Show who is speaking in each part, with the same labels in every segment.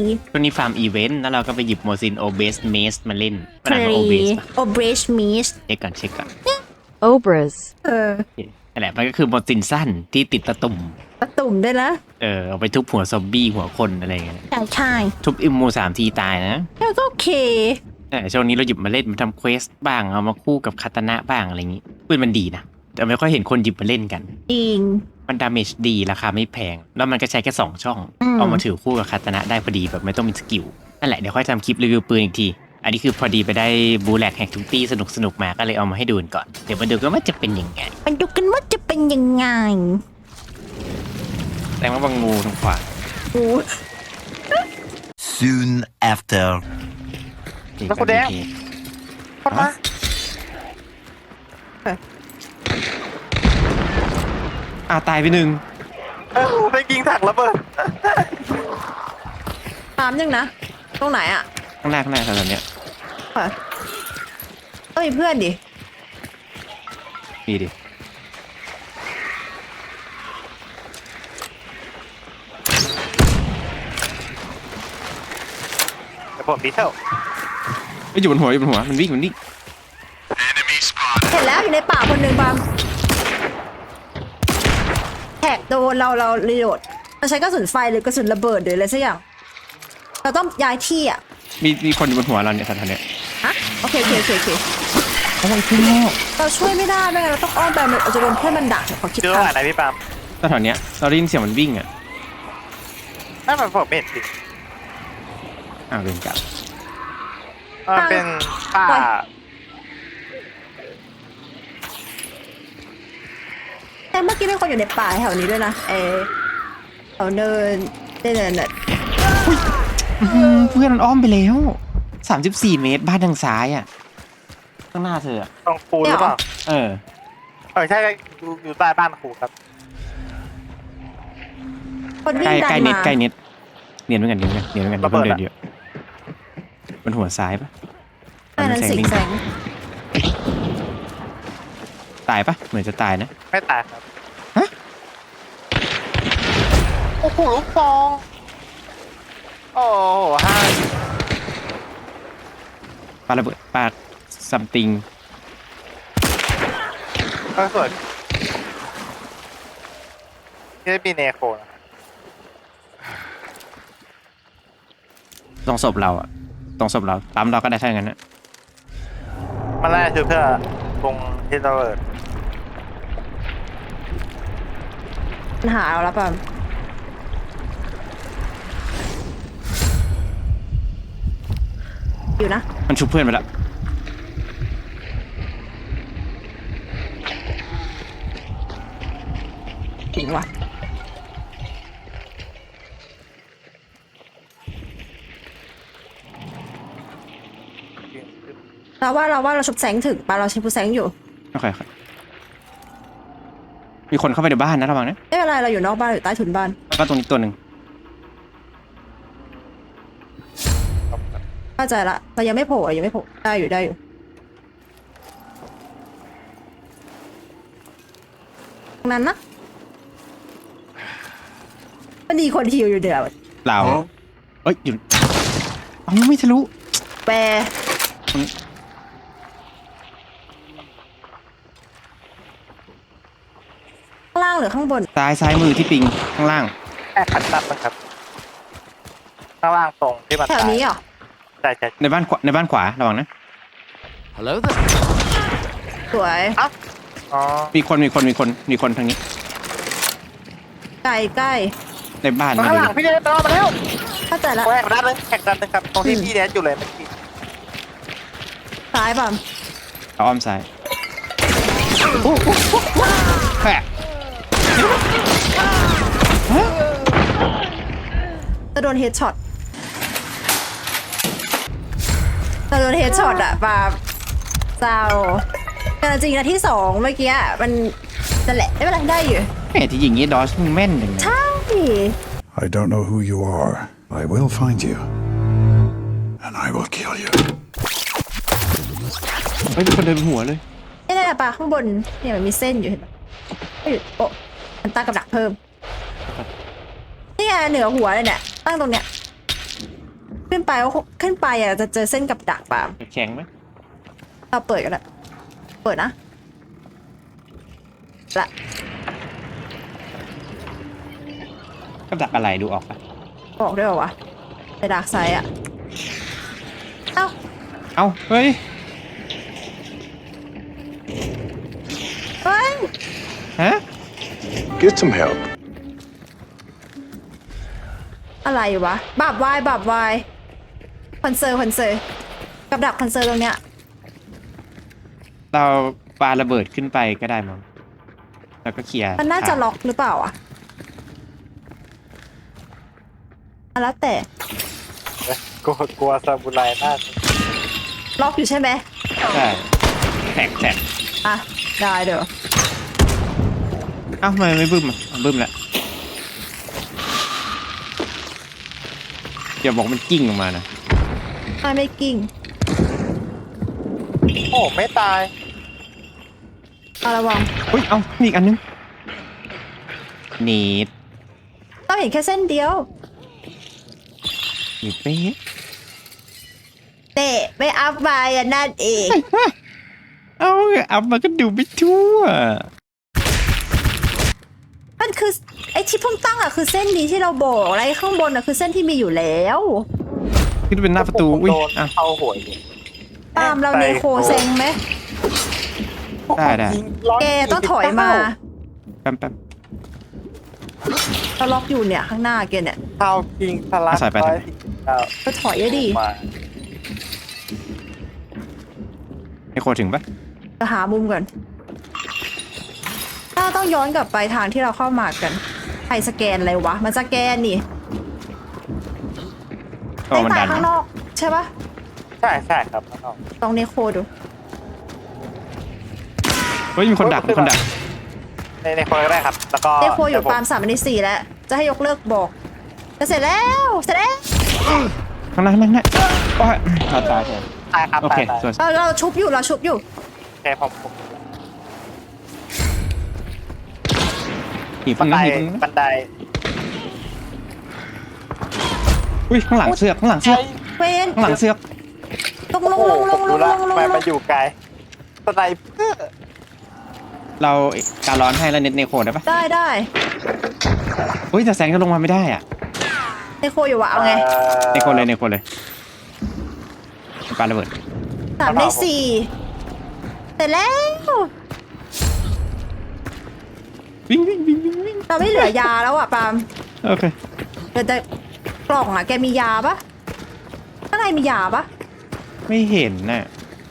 Speaker 1: ช่วงนี้ฟาร์มอีเวนต์แล้วเราก็ไปหยิบโมซินโอเบสเมสมาเล่น
Speaker 2: เคร
Speaker 1: โอเบส
Speaker 2: โอเบรชมิส
Speaker 1: เช็คก่อนเช็คก่อน
Speaker 3: Obras.
Speaker 1: นั่นแหละมันก็คือโมซินสั้นที่ติดตะตุ่ม
Speaker 2: ตะตุ่มด้วยนะ
Speaker 1: เอาไปทุบหัวซอมบี้หัวคนอะไรเงี้ย
Speaker 2: ใช่
Speaker 1: ทุบอิมมู3 ทีตายนะ
Speaker 2: แล้วก็โอเค
Speaker 1: ช่วงนี้เราหยิบมาเล่นมาทำเควสบ้างเอามาคู่กับคาตานะบ้างอะไรอย่างงี้ปืนมันดีนะแต่ไม่ค่อยเห็นคนหยิบมาเล่นกัน
Speaker 2: จริง
Speaker 1: มันดาเมจดีราคาไม่แพง แล้วมันก็ใช้แค่2 ช่อง
Speaker 2: อืม
Speaker 1: เอามาถือคู่กับคาตานะได้พอดีแบบไม่ต้องมีสกิลนั่นแหละเดี๋ยวค่อยทำคลิปรีวิวปืนอีกที อันนี้คือพอดีไปได้บูแลกแฮกทุกตี้สนุกมาก็เลยเอามาให้ดูกันก่อนเดี๋ยวมาดูกันว่าจะเป็นยังไง
Speaker 2: มันดูกันว่าจะเป็นยังไง
Speaker 1: แต่ว่าบางงูทางขวา
Speaker 2: โอ้
Speaker 4: Soon after.
Speaker 5: แล้วคุณแดง เข้ามา
Speaker 1: ตายไปหนึ่ง
Speaker 5: ไปยิงถังระเบิด
Speaker 2: ถามยังนะ ตรงไหนอ่ะ
Speaker 1: ข้างหน้าแถวๆเนี้ย
Speaker 2: ค่ะต้องมีเพื่อนดิ
Speaker 1: นี่ดิ
Speaker 5: เดี๋ยวผมดีเทล
Speaker 1: ไม่อยู่บนหัวมันวิ่ง
Speaker 2: เห็นแล้วอยู่ในป่าคนหนึ่งบางแท็กโดนเรารีโหลดเราใช้กระสุนไฟหรือกระสุนระเบิดหรืออะไรสักอย่าง เราต้องย้ายที่อ่ะ
Speaker 1: มีคนอยู่บนหัวเราเนี่ยแถวๆเนี้ย
Speaker 2: ฮะโอเค
Speaker 1: อะไรขึ้นแล้ว
Speaker 2: เราช่วยไม่ได้ไม่งั้นเราต้องอ้อมไปมันอาจจะโดนเพื่อนมันดักเดี๋ยวขอคิด
Speaker 5: เจอ
Speaker 2: ตาม
Speaker 5: ว่าไหนพี่ปาล์ม
Speaker 1: แถวๆเนี้ยเราได้ยินเสียงมันวิ่งอ่ะ
Speaker 5: นั่นมันผมไม่เห็นสิ
Speaker 1: เดินกลับ
Speaker 5: มันเป็นป่า
Speaker 2: แต่เมื่อกี้มีคนอยู่ในป่าแถวนี้ด้วยนะแถวเนินน่ะ
Speaker 1: เพื่อนมันอ้อมไปแล้ว34 เมตรบ้านทางซ้ายอ่ะข้างหน้าเธออะ
Speaker 5: ตรงคูหรือเปล่า ใช่อยู่ใต้บ้านครูครับ
Speaker 2: คนวิ่
Speaker 1: ใก
Speaker 2: ง
Speaker 1: ล้
Speaker 2: ดัน
Speaker 1: ใกล้เน็ต
Speaker 2: มา
Speaker 1: ใกล้เน็ตเนียนเหมือนกันเนียนเหมือนกัน
Speaker 5: ระเบิด
Speaker 1: เดิ
Speaker 5: อะ
Speaker 1: นเยอะมันหัวซ้ายปะ
Speaker 2: อันนั้นสิงแสง
Speaker 1: ตายปะเหมือนจะตายนะ
Speaker 5: ไม่ตายครับ
Speaker 1: ฮะ
Speaker 5: โอ้โหลูกฟอง โอ้โหห้า
Speaker 1: ปาระเบิดปาซัมติง
Speaker 5: ก็สวยนี่ได้มีเนโคนะ
Speaker 1: ตรงศพเราอะตรงศพเราปั๊มเราก็ได้เท่านั้นนะ
Speaker 5: มันน่าจะคือเพื่อตรงที่ระเบิด
Speaker 2: ปัญหาเราแล้วป่ะอยู่นะ
Speaker 1: มันชุบเพื่อนไปแล้ว
Speaker 2: จริงว่ะเราว่าเราชุบแสงถึงป่ะเราใช้ผู้แสงอยู่
Speaker 1: โอเคมีคนเข้าไปในบ้านนะระวังนะ
Speaker 2: ไม่เป็นไรเราอยู่นอกบ้านอยู่ใต้ถุนบ้าน
Speaker 1: แล้วก็ตรงนี้ตัวหนึ่ง
Speaker 2: เข้าใจละเรายังไม่โผล่ได้อยู่ตรงนั้นนะมันดีคนฮิวอยู่เดี๋ยว
Speaker 1: เราเอ้ยอยู่ไม่ทะลุ
Speaker 2: แปรข้างล่างหรือข้างบน
Speaker 1: ซ้ายมือที่ปิงข้างล่าง
Speaker 5: แค่ขัดตับนะครับ ข้างล่างตรงที่มัน
Speaker 2: แถวนี้เหรอ
Speaker 5: ใช่
Speaker 1: ในบ้านขวาระวังนะ
Speaker 3: Hello there.
Speaker 2: สวย
Speaker 5: อ๋อ
Speaker 1: มีคนทางนี้
Speaker 2: ใกล้
Speaker 1: ในบ้าน
Speaker 5: ข้างหลังพี่เนทตามมาแล้ว
Speaker 2: เข้าใจละ
Speaker 5: แข่งด้านนึงแข่งด้านนึงครับ ตรงที่พี่เนทอยู่เลยเมื่อกี้
Speaker 2: ซ้ายป่ะ
Speaker 1: เอาอ้อมซ้ายแปะ
Speaker 2: จะโดนเฮดช็อตอะป่ะเจ้าแต่จริงนะที่2เมื่อกี้มันนั่นแหละไม่เป็นไรได้อยู่
Speaker 1: แม่ที่ยิงงี้ดอชมึงแม่นอย่างเงี้ย
Speaker 2: ใช่
Speaker 6: I don't know who you are. I will find you. And I will kill you.
Speaker 1: ไม่เป็นคนเดินหัวเลย
Speaker 2: นี่แหละป่ะข้างบนเนี่ยมันมีเส้นอยู่เห็นปะโอ้มันตั้งกับดักเพิ่มนี่ไงเหนือหัวเลยเนี่ยตั้งตรงเนี้ยขึ้นไปว่าขึ้นไปอ่ะจะเจอเส้นกับดักปาล์ม
Speaker 1: แข็งไหม
Speaker 2: เราเปิดกันละเปิดนะละ
Speaker 1: กับดักอะไรดูออกปะ
Speaker 2: บอกด้วยเหรอวะในดักไซด์อ่ะเอ้า
Speaker 1: เอ้าเฮ้ย
Speaker 2: เฮ้ย
Speaker 1: ฮะ
Speaker 6: Get some help.
Speaker 2: อะไรวะบาบวายคอนเซิร์กับดักคอนเซิร์ตรงเนี้ย
Speaker 1: เราปาระเบิดขึ้นไปก็ได้มั้งแล้วก็เคลียร์
Speaker 2: มันน่าจะ
Speaker 1: ทง
Speaker 2: ล็อกหรือเปล่าอ่ะแล้วแต่
Speaker 5: กลัวซาบูไรมาก
Speaker 2: ล็อกอยู่ใช่ไหม
Speaker 1: ใช่แท็ก
Speaker 2: อ่ะได้เดี๋ยว
Speaker 1: เอ้าทำไมไม่บึ้มอ่ะบึ้มแล้วอย่าบอกมันกิ้งออกมานะ
Speaker 2: ไม่กิ้ง
Speaker 5: โอ้ไม่ตาย
Speaker 2: เอาระวัง
Speaker 1: อุ้ยเอ้ามีอีกอันนึงนีด
Speaker 2: เราเห็นแค่เส้นเดียว
Speaker 1: นีดเป๊ะ
Speaker 2: เตะไม่อัพไปอ่ะนั่นเอง
Speaker 1: เอ้าอัพมาก็ดูไม่ทั่ว
Speaker 2: มันคือไอ้ที่เพิ่งตั้งอ่ะคือเส้นนี้ที่เราบอกอะไรข้างบนอ่ะคือเส้นที่มีอยู่แล้ว
Speaker 1: คิดว่าเป็นหน้าประตูอุ้ย
Speaker 5: โดน
Speaker 1: อ่ะ
Speaker 5: เข้าหัวอยู่
Speaker 2: ตามเราเนโคเซ็งไหม
Speaker 1: ได้
Speaker 5: ยิงร้ย
Speaker 2: แกต้องถอยมา
Speaker 1: แป๊บ
Speaker 2: เราล็อกอยู่เนี่ยข้างหน้าแกเนี่ย
Speaker 5: เข้ายิงทะลัก
Speaker 1: ใส่ไป
Speaker 5: 149
Speaker 2: ก็ถอยได้ดิ
Speaker 5: มา
Speaker 1: ให้โคถึงปะ
Speaker 2: จะหามุมก่อนถ้าต้องย้อนกลับไปทางที่เราเข้ามากันใครสแกนอะไรวะมันสแกนนี่
Speaker 1: ก็มัน
Speaker 2: ตา
Speaker 1: ดั
Speaker 2: ย
Speaker 1: น
Speaker 2: ข้างนอกใช่ปะ
Speaker 5: ใช่ครับข้างนอก
Speaker 2: ลองเนโคดู
Speaker 1: เฮ้ยมีคนดัก
Speaker 5: ในคนก็ได้ครับ แล้วก็
Speaker 2: เนโคอยู่ปาล์ม3 ใน 4แล้วจะให้ยกเลิกบอกจะเสร็จแล้วเสร็จแล้ว
Speaker 1: ข้างหน้าโอ้ยตาย
Speaker 5: ตายครับ
Speaker 1: โอเค
Speaker 5: ตาย
Speaker 1: สวย
Speaker 2: เราชุบอยู่
Speaker 5: โอเคผม
Speaker 1: หีบ
Speaker 5: บันได
Speaker 1: นะหีบ
Speaker 5: บันได
Speaker 1: อุ้ยข้างหลังเสือก
Speaker 2: เวน
Speaker 1: ข้างหลังเสือก
Speaker 2: ลง
Speaker 5: โอ้โหผมรู้ละทำไมมันอยู่ไกลสไนเปอร์
Speaker 1: เราการร้อนให้แล้วเน็ตเนโคได้ปะ
Speaker 2: ได้
Speaker 1: อุ้ยแต่แสงจะลงมาไม่ได้อ่ะ
Speaker 2: เนโคอยู่วะเอาไง
Speaker 1: เนโคเลยปาระเบิด
Speaker 2: 3 ใน 4เสร็จแล้ว
Speaker 1: วิ่ง
Speaker 2: เราไม่เหลือยาแล้วอ่ะปาล์ม
Speaker 1: โอเค
Speaker 2: เดี๋ยวแต่กล่องอ่ะแกมียาปะข้างในมียาปะ
Speaker 1: ไม่เห็นน่ะ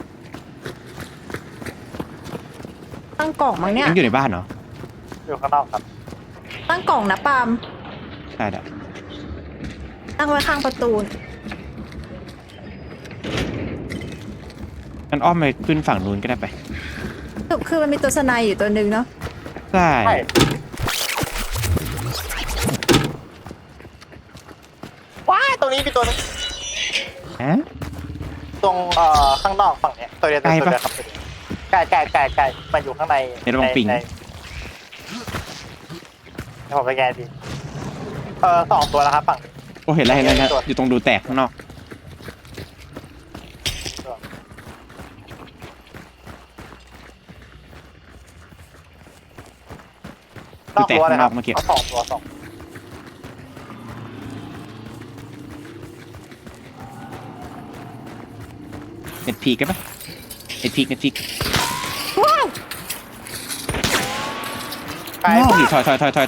Speaker 2: ตั้งกล่องมั้งเนี่ย
Speaker 1: ยังอยู่ในบ้านเหรอ
Speaker 5: อยู่ข้างนอกครับ
Speaker 2: ตั้งกล่องนะปาล์ม
Speaker 1: ได้
Speaker 2: ตั้งไว้ข้างประตู
Speaker 1: งั้นอ้อมไปขึ้นฝั่งนู้นก็ได้ไป
Speaker 2: สรุปคือมันมีตัวสไนด์อยู่ตัวหนึ่งเนาะ
Speaker 1: ใช่
Speaker 5: ใช่ว้ายตรงนี้มีตัวนึง
Speaker 1: ฮะ
Speaker 5: ตรงข้างนอกฝั่งเนี้ยตัวเดียว
Speaker 1: ไกลปะ
Speaker 5: ครับไกลมันอยู่ข้างใน
Speaker 1: เดี๋ยวระวังปิง
Speaker 5: ในให้ผมไปแกนดี2 ตัวแล้วครับฝั่งนี้
Speaker 1: โอ้เห็นแล้วอยู่ตรงดูแตกข้างนอก
Speaker 5: นอกรั้วเลยครับ
Speaker 1: เมื่อกี้
Speaker 5: เอา2 ตัว
Speaker 1: เน็ตพีกได้ปะเน็ตพีก
Speaker 2: ว้าว
Speaker 5: ไกล
Speaker 1: นอก
Speaker 5: มาก
Speaker 1: ดิถอย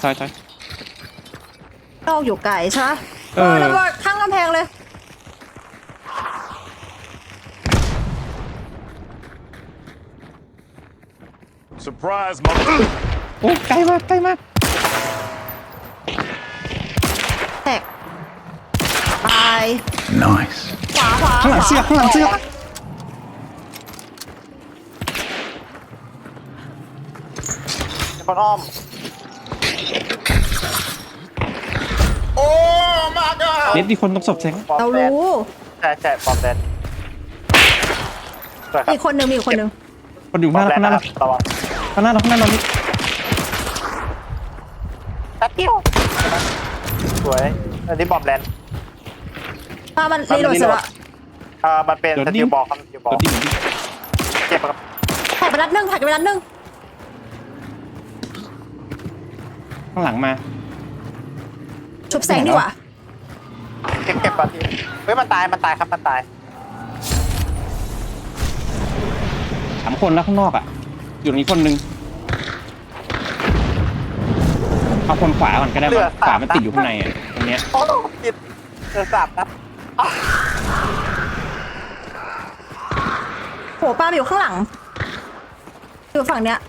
Speaker 2: นอกอยู่ไกลใช่ปะ
Speaker 1: เออ
Speaker 2: ระเบิดข้างกำแพงเลย
Speaker 6: Surprise, mother.
Speaker 1: โอ้ใกล้มาก
Speaker 2: แตกตาย
Speaker 6: Nice.
Speaker 2: ขวา
Speaker 1: ข้างหลังเสือก
Speaker 5: มีคนอ้อม โอ้มากอ่ะ
Speaker 1: เน็ตมีคนตกศพแสง
Speaker 2: เรารู้
Speaker 5: ใช่ปอมแดนสวยครับ
Speaker 2: มีคนหนึ่งมีอีกคนหนึ่ง
Speaker 1: คนอยู่
Speaker 5: ปอ
Speaker 1: ข้าม งห
Speaker 5: แด
Speaker 1: น้าน เรา
Speaker 5: นะครับระวัง
Speaker 1: ข้างหน้าเรานี่
Speaker 5: แป๊บเดียวสวยอันนี้บอมแลนด์
Speaker 2: เมันรีโหลดเสร็จแล้ว
Speaker 5: มันเป็นสกิลบอกครับสกิลบอก
Speaker 1: รถดิ้ง
Speaker 5: เจ็บครับ
Speaker 2: ถ่ายไปนัดนึง
Speaker 1: ข้างหลังมา
Speaker 2: ชุบแสงดีกว่า
Speaker 5: เก็บก่อนทีเฮ้ยมันตายครับมันตาย
Speaker 1: 3 คนแล้วข้างนอกอ่ะ อยู่ตรงนี้คนนึงเอาคนขวาก่อนก็ได้ว่าขวามันติดอยู่ข้างในอ่ะตรงเนี้ย
Speaker 5: โอ้ติดเดือดสับนะ
Speaker 2: โหป้าอยู่ข้างหลัง อยู่ฝั่งเนี้ย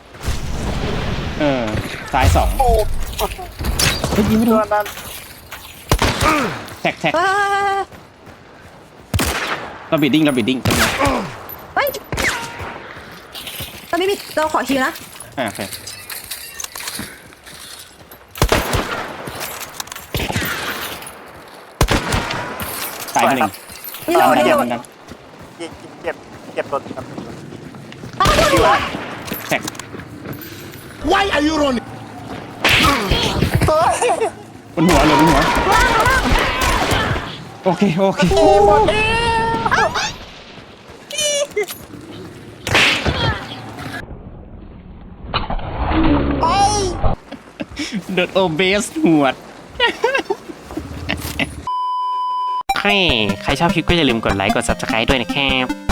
Speaker 1: ซ้าย2
Speaker 5: โอ้
Speaker 1: เฮ้ยยิงไม่โด
Speaker 5: ตัวน นั้น
Speaker 1: แท็ก
Speaker 2: เฮ้ย
Speaker 1: เราบิดดิ้งตรงนี้
Speaker 2: เฮ้ยเราไม่มีเราขอคิวนะ
Speaker 1: โอเคตายไปหนึ่ง
Speaker 2: รีโหลด
Speaker 1: เดียว
Speaker 2: รีโหล
Speaker 1: เห
Speaker 2: ด
Speaker 1: มือนกัน
Speaker 5: เก็บตัวครับ
Speaker 2: อ้าวโดน
Speaker 1: แท็ก
Speaker 6: Why are you running?
Speaker 1: บนหัวเลยบนหัวโอเคเดินโอเบสหวดใครชอบคลิปก็อย่าลืมกดไลค์กด subscribe ด้วยนะครับ